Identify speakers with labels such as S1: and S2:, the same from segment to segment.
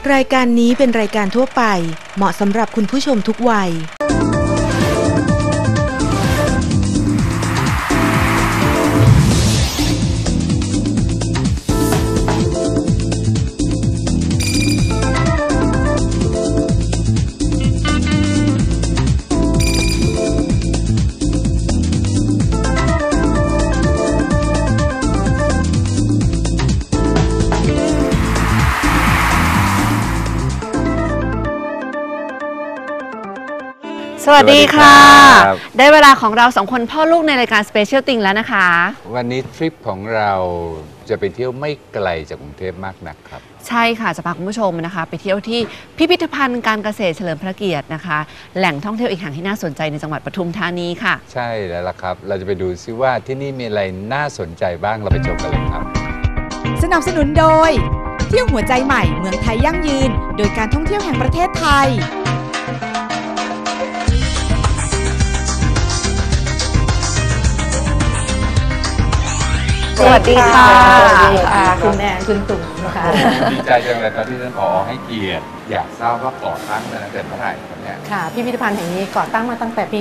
S1: รายการนี้เป็นรายการทั่วไปเหมาะสำหรับคุณผู้ชมทุกวัย
S2: สวัสดีค่ะได้เวลาของเราสองคนพ่อลูกในรายการ Special Thing แล้วนะคะ
S3: วันนี้ทริปของเราจะไปเที่ยวไม่ไกลจากกรุงเทพมากนักครับ
S2: ใช่ค่ะจะพาคุณผู้ชมนะคะไปเที่ยวที่พิพิธภัณฑ์การเกษตรเฉลิมพระเกียรตินะคะแหล่งท่องเที่ยวอีกแห่งที่น่าสนใจในจังหวัดปทุมธานีค่ะ
S3: ใช่แล้วล่ะครับเราจะไปดูซิว่าที่นี่มีอะไรน่าสนใจบ้างเราไปชมกันเลยครับ
S4: สนับสนุนโดยเที่ยวหัวใจใหม่เมืองไทยยั่งยืนโดยการท่องเที่ยวแห่งประเทศไทย
S2: สวัสดีค่ะ
S5: คุณแม่คุณตุ่มนะคะ
S3: ดีใจจังเลยตอนที่ท่านผอ.ให้เกียรติอยากทราบว่าก่อตั้งมาตั้งแต่เมื่อไหร่ครับเนี่ย
S5: ค่ะพิพิธภัณฑ์แห่งนี้ก่อตั้งมาตั้งแต่ปี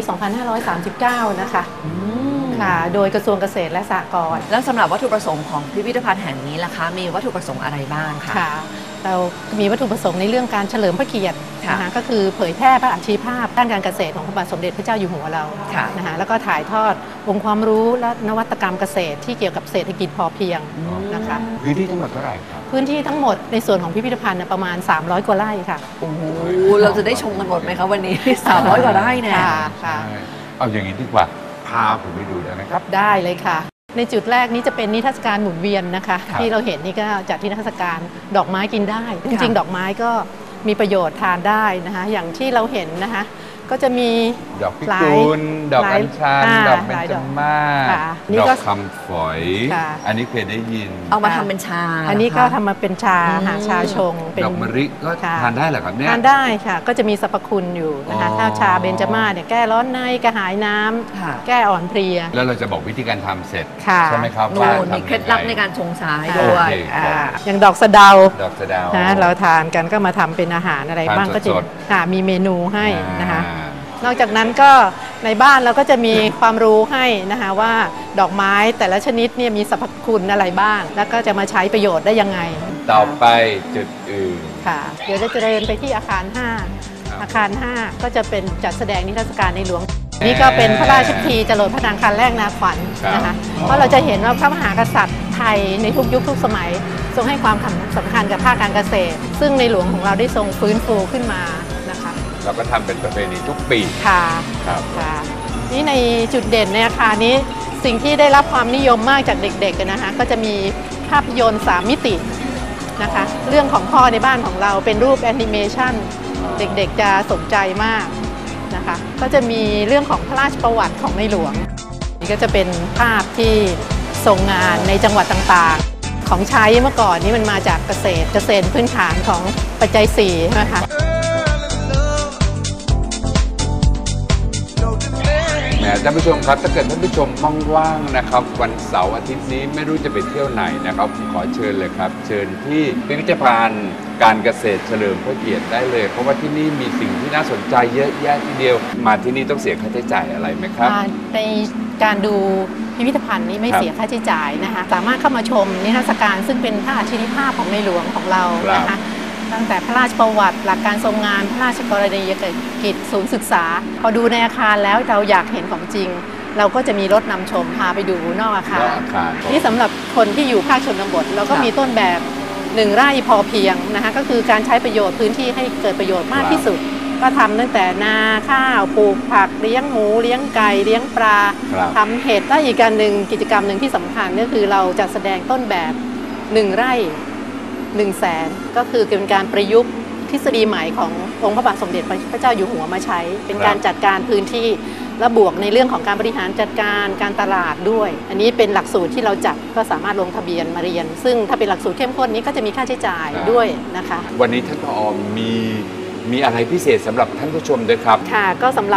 S5: 2539 นะคะค่ะโดยกระทรวงเกษตรและสหกรณ์
S2: แล้วสำหรับวัตถุประสงค์ของพิพิธภัณฑ์แห่งนี้ล่ะคะมีวัตถุประสงค์อะไรบ้างคะ
S5: เรามีวัตถุประสงค์ในเรื่องการเฉลิมพระเกียรตินะคะก็คือเผยแพร่พระอัจฉริยภาพด้านการเกษตรของพระบาทสมเด็จพระเจ้าอยู่หัวเรานะคะแล้วก็ถ่ายทอดองค์ความรู้และนวัตกรรมเกษตรที่เกี่ยวกับเศรษฐกิจพอเพียงนะคะ
S3: พื้นที่ทั้งหมดเท่าไหร่ครับ
S5: พื้นที่ทั้งหมดในส่วนของพิพิธภัณฑ์ประมาณ300 กว่าไร่ค่ะ
S2: โอ้โหเราจะได้ชมกันหมดไหมคะวันนี้300 กว่าไร่เนี่ย
S5: ค่ะ
S3: เอาอย่างนี้ดีกว่าพาผมไปดูได้ไหมครับ
S5: ได้เลยค่ะในจุดแรกนี้จะเป็นนิทรรศการหมุนเวียนนะคะที่เราเห็นนี่ก็จัดนิทรรศการดอกไม้กินได้จริงๆดอกไม้ก็มีประโยชน์ทานได้นะคะอย่างที่เราเห็นนะคะก็จะมี
S3: ดอกพิกุลดอกอัญชันดอกเบญจมาศดอกคำฝอยอันนี้เคยได้ยิน
S2: เอามาทำเป็นชา
S5: อันนี้ก็ทำมาเป็นชาชาชง
S3: ดอกมะลิก็ทานได้เหรอครับเนี่ย
S5: ทานได้ค่ะก็จะมีสรรพคุณอยู่นะคะถ้าชาเบญจมาศเนี่ยแก้ร้อนในกระหายน้ำแก้อ่อนเพลีย
S3: แล้วเราจะบอกวิธีการทำเสร็จใช่ไหมครับ
S2: ว่ามีเคล็ดลับในการชงชาด้วย
S5: อย่างดอกสะเดา
S3: นะ
S5: เราทานกันก็มาทำเป็นอาหารอะไรบ้างก็จะมีเมนูให้นะคะนอกจากนั้นก็ในบ้านเราก็จะมีความรู้ให้นะคะว่าดอกไม้แต่ละชนิดเนี่ยมีสรรพคุณอะไรบ้างแล้วก็จะมาใช้ประโยชน์ได้ยังไง
S3: ต่อไปจุดอื่น
S5: ค่ะเดี๋ยวจะเดินไปที่อาคาร5อาคาร5ก็จะเป็นจัดแสดงนิทรรศการในหลวงนี่ก็เป็นพระราชพิธีจรดพระนางคันแรกนาขวัญนะคะเพราะเราจะเห็นว่าพระมหากษัตริย์ไทยในทุกยุคทุกสมัยทรงให้ความสำคัญกับภาคการเกษตรซึ่งในหลวงของเราได้ทรงฟื้นฟูขึ้นมานะคะ
S3: เราก็ทำเป็นประเพณีทุกปี
S5: ค่ะค่ะนี่ในจุดเด่นในอาคารนี้สิ่งที่ได้รับความนิยมมากจากเด็กๆนะคะก็จะมีภาพยนตร์3 มิตินะคะเรื่องของพ่อในบ้านของเราเป็นรูปแอนิเมชันเด็กๆจะสนใจมากนะคะก็จะมีเรื่องของพระราชประวัติของในหลวงนี่ก็จะเป็นภาพที่ทรงงานในจังหวัดต่างๆของใช้เมื่อก่อนนี้มันมาจากเกษตรพื้นฐานของปัจจัย4นะคะ
S3: ท่านผู้ชมครับถ้าเกิดท่านผู้ชมว่างๆนะครับวันเสาร์อาทิตย์นี้ไม่รู้จะไปเที่ยวไหนนะครับผมขอเชิญเลยครับเชิญที่พิพิธภัณฑ์การเกษตรเฉลิมพระเกียรติได้เลยเพราะว่าที่นี่มีสิ่งที่น่าสนใจเยอะแยะทีเดียวมาที่นี่ต้องเสียค่าใช้จ่ายอะไรไหมครับ
S5: ในการดูพิพิธภัณฑ์นี้ไม่เสียค่าใช้จ่ายนะคะสามารถเข้ามาชมนิทรรศการซึ่งเป็นพระอัจฉริยภาพของในหลวงของเรานะคะตั้งแต่พระราชประวัติหลักการทรงงานพระราชกรณียกิจศูนย์ศึกษาพอดูในอาคารแล้วเราอยากเห็นของจริงเราก็จะมีรถนำชมพาไปดูนอกอาคารนี่สำหรับคนที่อยู่ภาคชนบทเราก็มีต้นแบบ1 ไร่พอเพียงนะคะก็คือการใช้ประโยชน์พื้นที่ให้เกิดประโยชน์มากที่สุดก็ทำตั้งแต่นาข้าวปลูกผักเลี้ยงหมูเลี้ยงไก่เลี้ยงปลาทำเห็ดและอีกการหนึ่งกิจกรรมหนึ่งที่สำคัญก็คือเราจะแสดงต้นแบบ1 ไร่100,000ก็คือเป็นการประยุกต์ทฤษฎีใหม่ขององค์พระบาทสมเด็จพระเจ้าอยู่หัวมาใช้เป็นการจัดการพื้นที่และบวกในเรื่องของการบริหารจัดการการตลาดด้วยอันนี้เป็นหลักสูตรที่เราจัดก็สามารถลงทะเบียนมาเรียนซึ่งถ้าเป็นหลักสูตรเข้มข้นนี้ก็จะมีค่าใช้จ่ายด้วยนะคะ
S3: วันนี้ท่านผอ.มีอะไรพิเศษสำหรับท่านผู้ชมด้วยครับ
S5: ค่ะก็สำหรับ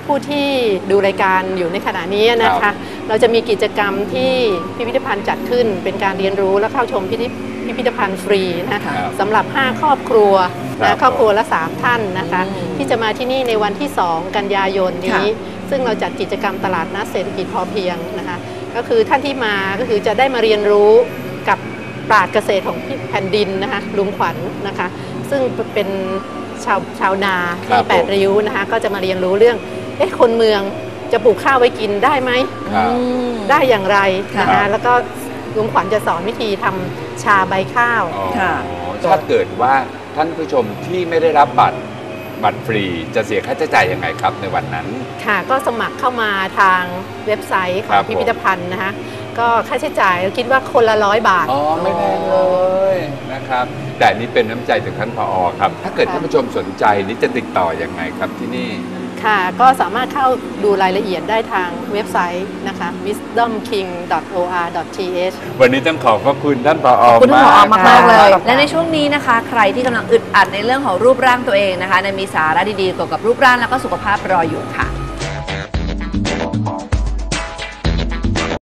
S5: ผู้ที่ดูรายการอยู่ในขณะนี้นะคะเราจะมีกิจกรรมที่พิพิธภัณฑ์จัดขึ้นเป็นการเรียนรู้และเข้าชมพิพิธภัณฑ์ฟรีนะคะสำหรับ 5 ครอบครัวนะครอบครัวละ 3 ท่านนะคะที่จะมาที่นี่ในวันที่ 2 กันยายนนี้ซึ่งเราจัดกิจกรรมตลาดนัดเศรษฐกิจพอเพียงนะคะก็คือท่านที่มาก็คือจะได้มาเรียนรู้กับปราชญ์เกษตรของแผ่นดินนะคะลุงขวัญนะคะซึ่งเป็นชาวนาที่8 ริ้วนะคะก็จะมาเรียนรู้เรื่องคนเมืองจะปลูกข้าวไว้กินได้ไหมได้อย่างไรนะคะแล้วก็ลุงขวัญจะสอนวิธีทำชาใบข้าว
S3: ถ้าเกิดว่าท่านผู้ชมที่ไม่ได้รับบัตรฟรีจะเสียค่าใช้จ่ายยังไงครับในวันนั้น
S5: ค่ะก็สมัครเข้ามาทางเว็บไซต์ของพิพิธภัณฑ์นะคะก็ค่าใช้จ่ายคิดว่าคนละ100 บาท
S3: ไม่แพงเลยนะครับแต่นี้เป็นน้ำใจจากท่านผอ.ครับถ้าเกิดท่านผู้ชมสนใจนี้จะติดต่อยังไงครับที่นี่
S5: ค่ะก็สามารถเข้าดูรายละเอียดได้ทางเว็บไซต์นะคะ wisdomking.or.th
S3: วันนี้ต้องขอบพระคุณท่านผอ.
S2: ขอบคุณท่านผอ.มากๆเลยและในช่วงนี้นะคะใครที่กำลังอึดอัดในเรื่องของรูปร่างตัวเองนะคะมีสาระดีๆเกี่ยวกับรูปร่างแล้วก็สุขภาพรออยู่ค่ะ